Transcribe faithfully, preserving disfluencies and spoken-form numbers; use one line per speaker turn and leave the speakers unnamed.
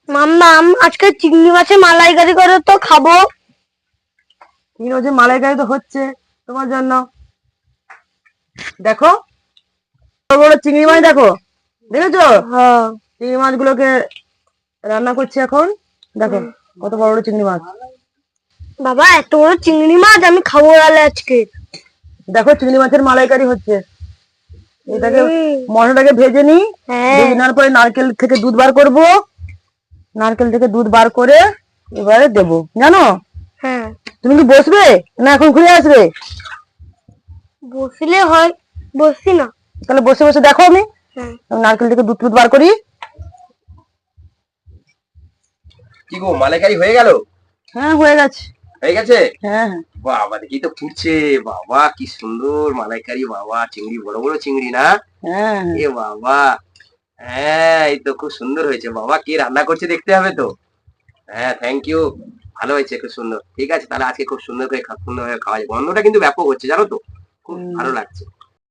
মাম্মাম আজকে চিংড়ি মাছের মালাইকারি করে তো খাবো।
চিংড়ি মাছের মালাইকারি তো হচ্ছে তোমার জন্য। দেখো বড় বড় চিংড়ি মাছ, দেখো দেখেছো?
হ্যাঁ
চিংড়ি মাছগুলোকে রান্না করছি এখন। দেখো কত বড় বড় চিংড়ি মাছ।
বাবা এত বড় চিংড়ি মাছ আমি খাবো তাহলে আজকে।
দেখো চিংড়ি মাছের মালাইকারি হচ্ছে। এটাকে
হুম।
মশলাটাকে ভেজে নিই।
হ্যাঁ
ভেজে নেওয়ার পরে নারকেল থেকে দুধ বার করব। নারকেল থেকে দুধ বার করে এবারে দেবো, জানো?
হ্যাঁ
তুমি কি বসবে না এখন ঘুরে আসবে?
বসলে হয়, বসছি না।
তাহলে বসে বসে দেখো, আমি
হ্যাঁ
নারকেল থেকে দুধ টুধ বার করি।
কি গো, মালাইকারি হয়ে গেল?
হ্যাঁ হয়ে গেছে।
হয়ে গেছে?
হ্যাঁ হ্যাঁ
বাবা দেখি তো ফুটছে। বাবা কি সুন্দর মালাইকারি, বাবা চিংড়ি বড় বড় চিংড়ি না?
হ্যাঁ হ্যাঁ।
এ বাবা, হ্যাঁ এই তো খুব সুন্দর হয়েছে। বাবা কে রান্না করছে দেখতে হবে তো। হ্যাঁ থ্যাংক ইউ, ভালো হয়েছে, খুব সুন্দর। ঠিক আছে তাহলে আজকে খুব সুন্দর করে খা- সুন্দর ভাবে খাওয়া যায়। গন্ধটা কিন্তু ব্যাপক হচ্ছে জানো তো, খুব
হুম।
ভালো লাগছে।